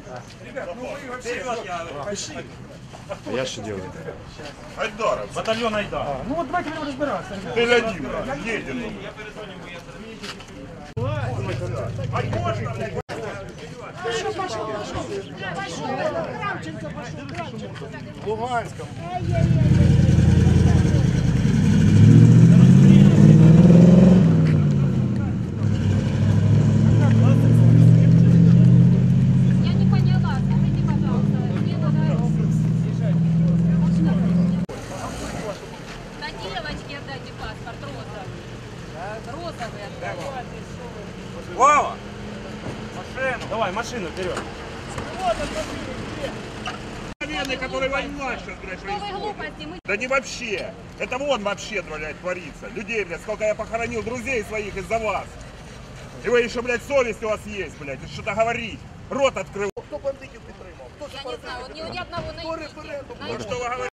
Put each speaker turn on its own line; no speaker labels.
Ребят, ну вы вообще... Пиши.
А я что делаю?
Айдаров.
Батальон Айдар. Ну вот давайте будем разбираться.
Ты один, едем. А можно, блядь?
В Луганском.
Я не поняла, скажите, пожалуйста, мне надо... На девочке отдайте паспорт, розовый. Розовый отдайте.
Вова! Машину. Давай, машину вперед.
Которые воевают сейчас, блядь,
Новые глупости, мы...
Да не вообще. Это вон вообще, блядь, творится. Людей, блядь, сколько я похоронил друзей своих из-за вас. И вы еще, блядь, совесть у вас есть, блядь, что-то говорить. Рот открыл.
Я не знаю, вот ни одного найдите.
Ну что вы говорите?